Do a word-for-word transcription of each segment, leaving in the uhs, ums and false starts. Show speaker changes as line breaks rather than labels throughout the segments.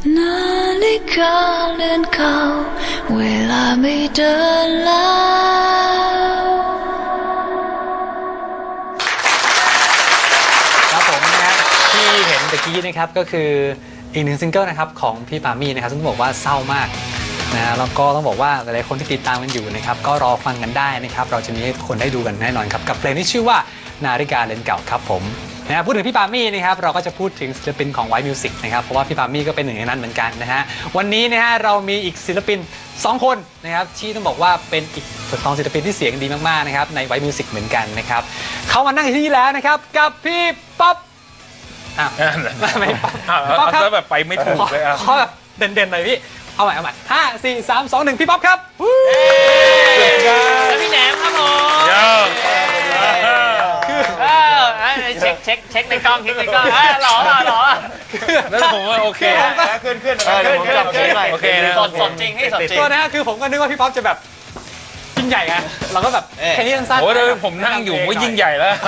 นาฬิกาเลื่อนเข้าเวลาไม่เดินแล้ว
ครับผมนะฮะที่เห็นตะกี้นะครับก็คืออีกหนึ่งซิงเกิลนะครับของพี่ปามี่นะครับซึ่งบอกว่าเศร้ามากนะแล้วก็ต้องบอกว่าหลายๆคนที่ติดตามกันอยู่นะครับก็รอฟังกันได้นะครับเราจะมีให้ทุกคนได้ดูกันแน่นอนครับกับเพลงที่ชื่อว่านาฬิกาเรือนเก่าครับผมนะพูดถึงพี่ปามี่นะครับเราก็จะพูดถึงศิลปินของ White Music นะครับเพราะว่าพี่ปามี่ก็เป็นหนึ่งในนั้นเหมือนกันนะฮะวันนี้นะฮะเรามีอีกศิลปินสองคนนะครับที่ต้องบอกว่าเป็นอีกสองศิลปินที่เสียงดีมากๆนะครับใน White Music เหมือนกันนะครับเขามานั่งอยู่ที่นี่แล้วนะครับกับพี่ป๊อปอ้าวไม่ป๊อปป๊อปครับ
แบบไปไม่ถูกเลยอ่ะ
ขอแบบเด่นๆหน่อยพี่เอาใหม่เอาใหม่ห้าสี่สามสองหนึ่งพี่ป๊อปครับ
แล้วพี่แหนมครับผมคือเช็คเช็คเช็คในกล้องเช็คในกล้องหล่อหล่อหล่อ
แล้วผมว่าโอเค
ขึ้นขึ้นขึ้นขึ้นโอเคสดสดจริงให้สดจริง
ตัวนะคือผมก็นึกว่าพี่ป๊อปจะแบบยิ่งใหญ่ไงเราก็แบบแค่นี้สั้นๆ
โอ้ยผมนั่งอยู่ก็ยิ่งใหญ่แล้ว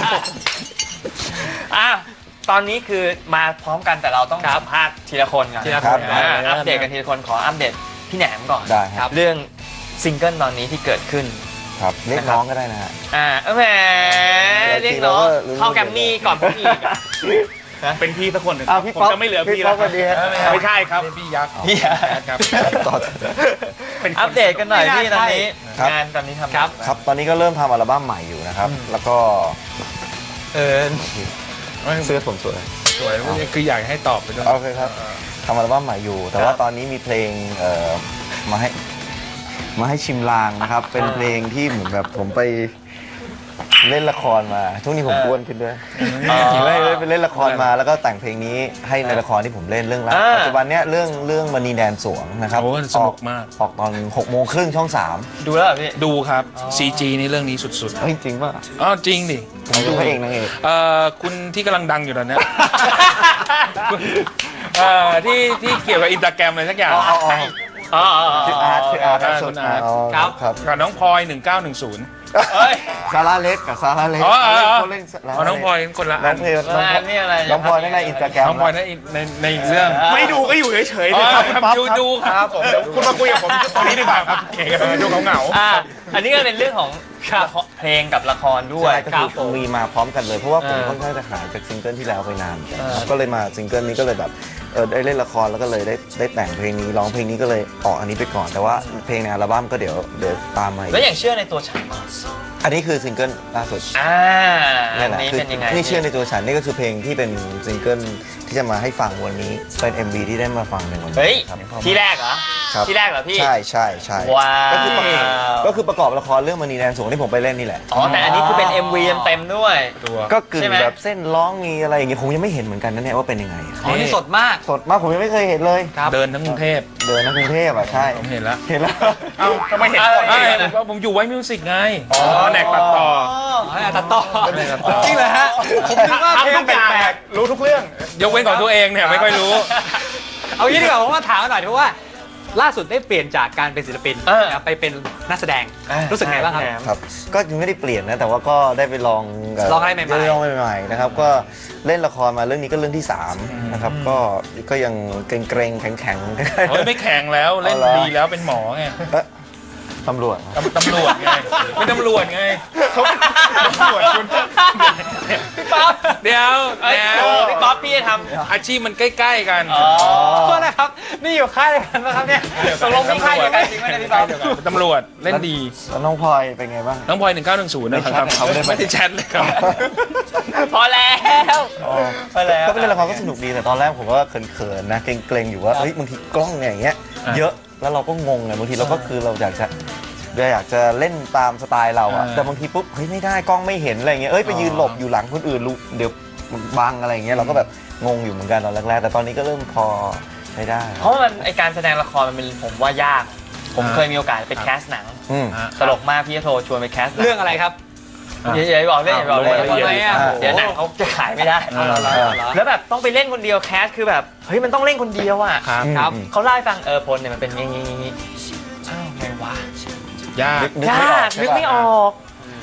อ่ะตอนนี้คือมาพร้อมกันแต่เราต้องสัมภาษณ์ทีละคนก่อน
ทีละคน
อัปเดตกันทีละคนขออัปเดตพี่แหนมก่อน
ได้ครับ
เรื่องซิงเกิลตอนนี้ที่เกิดขึ้น
ครับเรียกน้องก็ได้นะฮะ
อ่าแหมเรียกน้องเข้าแกรมมี่ก่อนพี่อีก
เป็นพี่สักคนหนึ่งผมจะไม่เหลือพี่
แล้ว
ไม่ใช่ครับพี่ยักษ์
พี่ยักษ์
ครับ
เป็นอัปเดตกันหน่อยพี่ตอนนี้งานตอนนี้ทำ
ครับ
ครับตอนนี้ก็เริ่มทำอัลบั้มใหม่อยู่นะครับแล้วก็
เออ
เสื้อผมสวย
สวยคืออยากให้ตอบไปด้วย
โอเคครับทำอัลบั้มใหม่อยู่แต่ว่าตอนนี้มีเพลงมาให้มาให้ชิมลางนะครับเป็นเพลงที่เหมือนแบบผมไปเล่นละครมาช่วงนี้ผมอ้วนขึ้นด้วยไปเล่นละครมาแล้วก็แต่งเพลงนี้ให้ในละครที่ผมเล่นเรื่องแรกปัจจุบันเนี้ยเรื่องเรื่องมณีแดนสวงนะครับ
สนุกมาก
ออกตอนหกโมงครึ่งช่องสาม
ดูแล้วพี่
ดูครับ ซี จี นี่เรื่องนี้สุดๆ
จริงป่ะ
อ๋อจริงดิ
ผมดูพระเอกนางเอก
เอ่อคุณที่กำลังดังอยู่ตอนนี้เอ่อที่ที่เกี่ยวกับอินสตาแกรมอะไรสักอย่าง
อ๋อ
คืออาร์ตคืออาร์ตสุด
ครับครับกับน้องพลอยหนึ่งเก้าหนึ่งศูนย์
ซาร่าเล็กกับซาร่าเล็ก
เขาเล่นน้องพลอยคนละ
น้องเพลน้องพลอยในอินสตาแกรม
น้องพลอยในในในเรื่อง
ไม่ดูก็อยู่เฉยๆนะครับ
ดูดูครับผม
คุณมาคุยกับผมตอนนี้ดีกว่าครับ
เก่งกันดูเหงา
ๆอันนี้ก็เป็นเรื่องของเพลงกับละครด้วย
ก็คือมีมาพร้อมกันเลยเพราะว่าผมค่อนข้างจะหายจากซิงเกิลที่แล้วไปนานก็เลยมาซิงเกิลนี้ก็เลยแบบเออได้เล่นละครแล้วก็เลยได้ได้แต่งเพลงนี้ร้องเพลงนี้ก็เลยออกอันนี้ไปก่อนแต่ว่าเพลงในอัลบั้มก็เดี๋ยวเดี๋ยวตามมา
แล้วอย่างเชื่อในตัวฉัน
อันนี้คือซิงเกิลล่าสุด
อ่า
นี่แหละคือนี่เชื่อในตัวฉันนี่ก็คือเพลงที่เป็นซิงเกิลที่จะมาให้ฟังวันนี้เป็น เอ็ม วี ที่ได้มาฟังในวันนี้
เฮ้ยที่แรกเหรอที่แรกเหรอพี่
ใช่ใช่ใช่
ว้าว
ก็คือก็คือประกอบละครเรื่องมณีแดนสวงที่ผมไปเล่นนี่แหละ
อ๋อแต่อันนี้คือเป็น เอ็ม วี เต็มๆด้วย
ก็กึ่งแบบเส้นร้องมีอะไรอย่างเงี้ยผมยังไม่เห็นเหมือนกันนะเนี่ยว่าเป็นยังไง
อ๋อนี่สดมาก
สดมากผมยังไม่เคยเห็นเลย
เดินทั้งกรุงเทพ
เดินทั้งกรุงเทพอ่ะใช่
ผมเห็นแล้ว
เห็นแล้ว
เอ้าทำไมเห็นก่อนผมอยู่ไว้มิวสิกไงอ๋อแหนกตัดต่อ
ตัดต่อจริงเหรอฮะผมคิดว่าเพลงแปลก
ๆรู้ทุกเรื่องยกเว้นของตัวเองเนี่ยไม่ค่อยรู้
เอางี้ดีกว่าผมมาถามหน่อยเพราะว่าล่าสุดได้เปลี่ยนจากการเป็นศิลปินไปเป็นนักแสดงรู้สึกไงบ้างครับ
ครับก็ยังไม่ได้เปลี่ยนนะแต่ว่าก็ได้ไปลอง
ลองอะไรใหม่ๆ
ลองใหม่ๆนะครับก็เล่นละครมาเรื่องนี้ก็เรื่องที่สามนะครับก็ก็ยังเกรงๆแข็ง
ๆไม่แข็งแล้วเล่นดีแล้วเป็นหมอไง
ตำรวจ
ตำรวจไงเป็นตำรวจไงเขาตำรวจคุณ
พี่ป๊อป
เดี๋ยว
เดี๋ยวพี่ป๊อปพี่จะท
ำอาชีพมันใกล้ๆกัน
อ๋อโทษนะครับนี่อยู่ค่ายกันป่ะครับเนี่ย
ตกลงมีค่ายยังไงจริงไหมพี่ป๊อป
ตำรวจเล่นดี
แล้วน้องพลอยเป็นไงบ้าง
น้องพลอยหนึ่งเก้าหนึ่งศูนย์นะครับเขาไม่ได้แชทเลยครับ
พอแล้ว
พอแล้วก็เป็นละครก็สนุกดีแต่ตอนแรกผมก็เขินๆนะเกรงๆอยู่ว่าเฮ้ยบางทีกล้องเนี่ยอย่างเงี้ยเยอะแล้วเราก็งงไงบางทีเราก็คือเราอยากจะอยากจะเล่นตามสไตล์เราอะแต่บางทีปุ๊บเฮ้ยไม่ได้กล้องไม่เห็นอะไรเงี้ยเอ้ยไปยืนหลบอยู่หลังคนอื่นรู้เดี๋ยวบังอะไรเงี้ยเราก็แบบงงอยู่เหมือนกันตอนแรกๆแต่ตอนนี้ก็เริ่มพอใช้ได้
เพราะมันไอการแสดงละครมันเป็นผมว่ายากผมเคยมีโอกาสไปแคสหนังตลกมากพี่โทรชวนไปแคส
เรื่องอะไรครับ
อย่าบอกเล่นอย่าบอกเล่นเดี๋ยวหนังเขาจะขายไม่ได้แล้วแบบต้องไปเล่นคนเดียวแคสคือแบบเฮ้ยมันต้องเล่นคนเดียวอ่ะ
ครับ
เขาเล่าให้ฟังเออพลเนี่ยมันเป็นงี้งี้งี้อ้าวไงวะ
ยาก
ยากนึกไม่ออก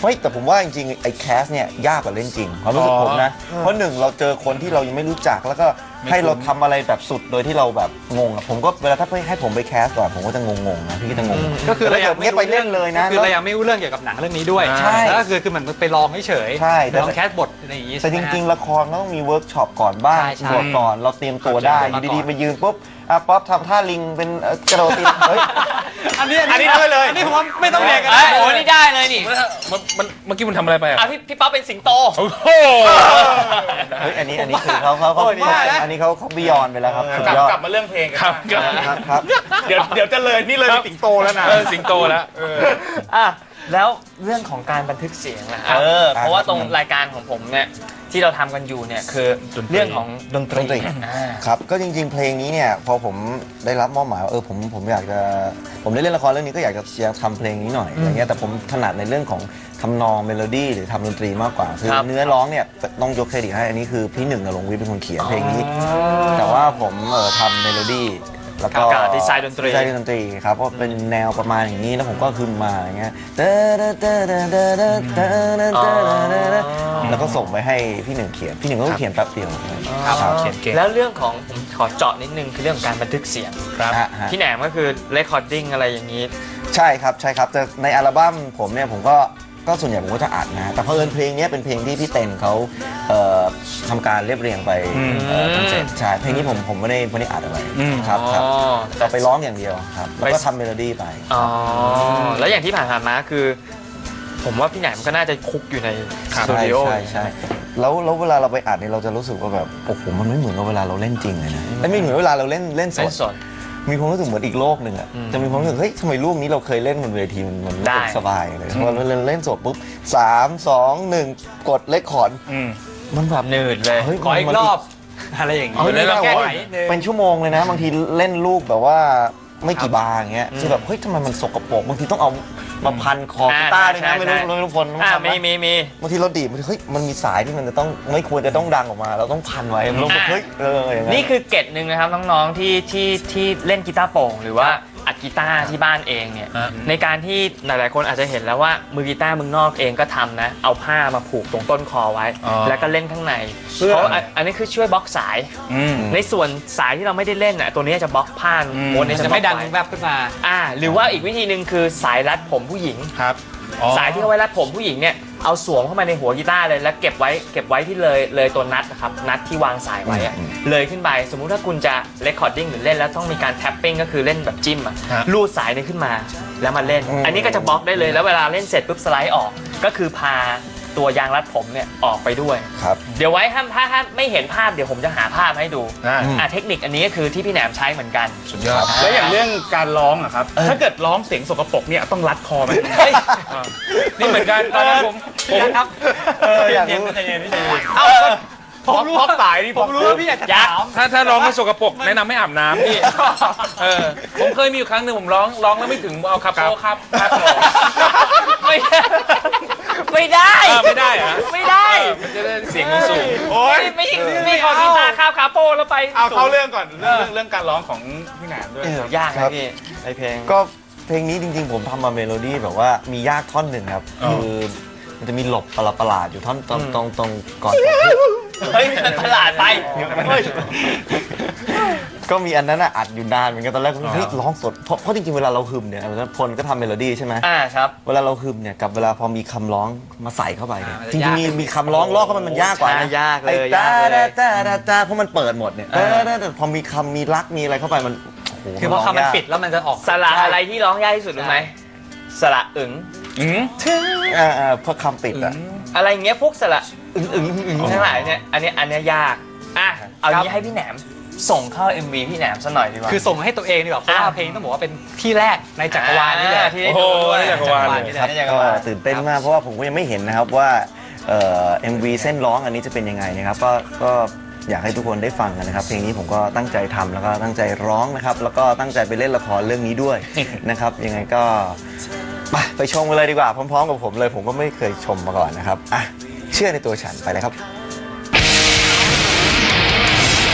เฮ้ยแต่ผมว่าจริงๆไอ้แคสเนี่ยยากกว่าเล่นจริงความรู้สึกผมนะเพราะหนึ่งเราเจอคนที่เรายังไม่รู้จักแล้วก็ให้เราทำอะไรแบบสุดโดยที่เราแบบงงอะผมก็เวลาถ้าให้ผมไปแคสก่อนผมก็จะงงๆนะพี่ก็จะงง
ก็คือเรายัง
ไม่ไปเล่นเลยนะ
คือเรายังไม่รู้เรื่องเกี่ยวกับหนังเรื่องนี้ด้วย
ใช่
แล้วก็คือคือมันไปลองเฉยๆ
ใช่แต่
ลองแคสบทอะไรอย่างงี้
แต่จริงๆละครก็ต้องมีเวิร์กช็อปก่อนบ้าง
ใช่ใช่
บทก่อนเราเตรียมตัวได้อยู่ดีๆไปยืนปุ๊บอ่ะป๊อปทำท่าลิงเป็นเอ่อกระโดดตีนเฮ้ย
อันนี้
อันนี้ได้เลย
อันนี้ผมว่าไม่ต้องเรียนกัน
เอ้
นะ
ยโอ้นี่ได้เลยนี่
มันมันเมื่อกี้มันทำอะไรไปอ่ะ
อ่ะพี่พี่ป๊อปเป็นสิงโต
โอ้โห
เฮ้ยอันนี้อันนี้คือเขาเขาเขา
โอ้ยว่านะ
อันนี้เขาเขาบิยอนไปแล้วครับสุด
กลับ
ยอด
กลับมาเรื่องเพลงกัน
ครับ
บ้าง
ครับครับ
เดี๋ยวเดี๋ยวจะเลยนี่เลยเป็นสิงโตแล้วนะ
เออสิงโตแล้ว
อ่ะแล้วเรื่องของการบันทึกเสียงนะเออเพราะว่าตรงรายการของผมเนี่ยที่เราทำกันอยู่เนี่ยคือ
ดนตรี
เรื่องของดนตรี
ดนตรี
อ่า
ครับก็จริงๆเพลงนี้เนี่ยพอผมได้รับมอบหมายว่าเออผมผมอยากจะผมได้เล่นละครเรื่องนี้ก็อยากจะอยากทำเพลงนี้หน่อยอะไรเงี้ยแต่ผมถนัดในเรื่องของทำนองเมโลดี้หรือทำดนตรีมากกว่าคือ
ครับ
เนื้อร้องเนี่ยต้องยกเครดิตให้อันนี้คือพี่หนึ่งนรงค์วิทย์เป็นคนเขียนเพลงนี้ แต่ว่าผมเออทำเมโลดี้แล้วก็
กับดีไซน์ดนตรี
ดีไซน์ดนตรีครับเพราะเป็นแนวประมาณอย่างนี้แล้วผมก็ขึ้นมาอย่างเงี้ยแล้วก็ส่งไปให้พี่หนึ่งเขียนพี่หนึ่งก็เขียนแป๊บเดียว
ครับเขียนเก่ง
แล้วเรื่องของผมขอเจาะนิดนึงคือเรื่องของการบันทึกเสียง
ครับ
ฮะฮะ
พี่แหนมก็คือเรคคอร์ดิ้งอะไรอย่างนี้
ใช่ครับใช่ครับแต่ในอัลบั้มผมเนี่ยผมก็ก็ส่วนใหญ่ผมก็จะอัดนะแต่เพราะเอิญเพลงนี้เป็นเพลงที่พี่เต็นเขาเอ่อทำการเรียบเรียงไป
อืม
เอ่อจนเสร็จใช่เพลงนี้ผมผมไม่ได้ไม่ได้อัดอะไร
อืม
ครับครับ
อ๋อ
แต่ไปร้องอย่างเดียวครับแล้วก็ทำเมโลดี้ไป
อ๋อแล้วอย่างที่ผ่านๆมาคือ ผมว่าพี่แหนมก็น่าจะคุกอยู่ในสตู
ใช่
ดิโอ
ใช่ใช่แล้วแล้วเวลาเราไปอัดเนี่ยเราจะรู้สึกว่าแบบโอ้โหมันไม่เหมือนกับเวลาเราเล่นจริงเลยนะไม่เหมือนเวลาเราเล่นเล่นส
เล่
ด
นสด
มีความรู้สึกเหมือนอีกโลกหนึ่งอะ
อืม
จะมีความรู้สึกเฮ้ยทำไมลูกนี้เราเคยเล่นบนเวทีมันมันรู้สึก
ได้
สบายเลยพอเราเล่นเล่นสดปุ๊บสามสองหนึ่งกดเลคคอร์ด
อืม
มันแบบ
หนืดเลย
เฮ้ย
ขออีก
มัน
รอบอะไรอย่างงี้
เอาเล่น
เรา
แล้ว
แก้
โอ้
ไข
ย
นิดนึง
เป็นชั่วโมงเลยนะ บางทีเล่นลูกแบบว่าไม่กี่บาร์อย่างเงี้ยคือแบบเฮ้ยทำไมมันสกปรกบางทีต้องเอามาพันคอกีตาร์ด้วยนะไม่รู้ไม่รู้พล
อ่า
ทำไหม
มีมีมี
บางทีเราดีดบางทีเฮ้ยมันมีสายที่มันจะต้องไม่ควรจะต้องดังออกมา เราต้องพันไว้เราบอกเฮ้ยเอออย่าง
นี่คือเกร็ดหนึ่งนะครับน้องๆที่ที่ที่เล่นกีตาร์โปร่งหรือว่าอัดกีตาร์ที่บ้านเองเนี่ย
ฮะ
ในการที่หลายๆคนอาจจะเห็นแล้วว่ามือกีตาร์มึงนอกเองก็ทำนะเอาผ้ามาผูกตรงต้นคอไว้
อ๋อ
แล้วก็เล่นข้างใน
เพื่อ
เพราะอันอันนี้คือช่วยบล็อกสาย
อืม
ในส่วนสายที่เราไม่ได้เล่นน่ะตัวนี้จะบล็อกผ้า
อืม
ม้วนนี้
มัน
จะ
จะไม่ดัง
บล็อก
แว
ว้
บขึ้นมา
อ่าหรือว่าอีกวิธีหนึ่งคือสายรัดผมผู้หญิง
ครับอ๋อ
สายที่เอาไว้รัดผมผู้หญิงเนี่ยเอาสวมเข้ามาในหัวกีตาร์เลยแล้วเก็บไว้เก็บไว้ที่เลยเลยตัวนัดนะครับนัดที่วางสายไว้อะเลยขึ้นไปสมมุติถ้าคุณจะเรคคอร์ดิ้งหรือเล่นแล้วต้องมีการแท็ปปิ้งก็คือเล่นแบบจิ้มอะ
ฮะ
ลูดสายนี้ขึ้นมาแล้วมาเล่น อันนี้ก็จะบล็อกได้เลยแล้วเวลาเล่นเสร็จปุ๊บสไลด์ออก ก็คือพาตัวยางรัดผมเนี่ยออกไปด้วย
ครับ
เดี๋ยวไว้ถ้าถ้าถ้าไม่เห็นภาพเดี๋ยวผมจะหาภาพให้ดู
ได้
อ่ะเทคนิคอันนี้ก็คือที่พี่แหนมใช้เหมือนกัน
สุดยอด
แล้วอย่างเรื่องการร้องอะครับ ถ้าเกิดร้องเสียงสกปรกเนี่ยต้องรัดคอไหม
อ่านี่เหมือนกันตอนนั้นผมผม
ครับ
เอออยากรู้
เอ้าผมรู้
พอกสายนี่
ผมรู้ว่าพี่อยากจะถาม
ถ้าถ้าร้องให้สกปรกแนะนำไม่อาบน้ำพี่เออผมเคยมีอยู่ครั้งหนึ่งผมร้องร้องแล้วไม่ถึงเอาคาโปครับครับ
ไม่ได้ไม่ได้
อ่าไม่ได้เหรอ
ไม่ได้
เออมันจะได้เสียงสูง
โอ้ย
ไม่ไม่ไม่ขอกีตาร์คาบคาโปแล้วไป
เอาเข้าเรื่องก่อนเรื่องเรื่องการร้องของพี่แหนมด้วย
เอ
ค
อ
รับ
ยาก
ครั
นะ
บ
พี่ไอเพลง
ก็เพลงนี้จริง ๆ ผมทำมาเมโลดี้แบบว่ามียากท่อนหนึ่งครับ
อ๋อ
คือมันจะมีหลบประหลาดๆอยู่ท่อนตรง
อืม
ตรงตรงก่อน
เฮ้ยมันประหลาดไปเฮ้ย
ก็มีอันนั้นอ่ะอัดอยู่นานเหมือนกันตอนแรกผมเฮ้ยร้องสดเพราะเพราะจริงๆเวลาเราฮึมเนี่ยพลก็ทำเมโลดี้ใช่ไหม
อ่าครับ
เวลาเราฮึมเนี่ยกับเวลาพอมีคำร้องมาใส่เข้าไปเนี่ย
อ่า
จริงๆมีมีคำร้องลอกเข้าไปมันยากกว่านะ
ใช่ยากเลย
ไอ้
ยากเลย
จ้าจ้าจ้าจ้าเพราะมันเปิดหมดเนี่ย
เออ
แต่แต่พอมีคำมีรักมีอะไรเข้าไปมันโอ้โห
คือพอคำมันปิดแล้วมันจะออก
สระอะไรที่ร้องยากที่สุดรู้ไหมสระอึ๋ง
อืม
อ่าอ่าเพราะคำปิดอ่ะ
อะไรเงี้ยพวกสระอึ๋งอึ๋งอึ๋งทั้งหลายเนี่ยอันเนี้ยอันเนี้ยยากอ่ะเอางี้ให้พี่แหนมส่งเข้า เอ็ม วี พี่แหนมซะหน่อยดีกว่า
คือส่งให้ตัวเองดีกว่าเพราะว่า
อ่า
เพลงต้องบอกว่าเป็นที่แรกในจักรวาลนี่แหละ
อ่าที่ได้
โอ้
ดู
โห
ด้วย
ในจักรวาลเลย
นี่
ครับ
แหละ
ก็ตื่นเต้นมากเพราะว่าผมก็ยังไม่เห็นนะครับว่าเอ่อ เอ็ม วี เส้นร้องอันนี้จะเป็นยังไงนะครับก็ก็อยากให้ทุกคนได้ฟังกันนะครับเพลงนี้ผมก็ตั้งใจทำแล้วก็ตั้งใจร้องนะครับแล้วก็ตั้งใจไปเล่นละครเรื่องนี้ด้วย นะครับยังไงก็ไปไปชมกันเลยดีกว่าพร้อมๆกับผมเลยผมก็ไม่เคยชมมาก่อนนะครับอ่ะเชื่อในตัวฉันไปเลยครับ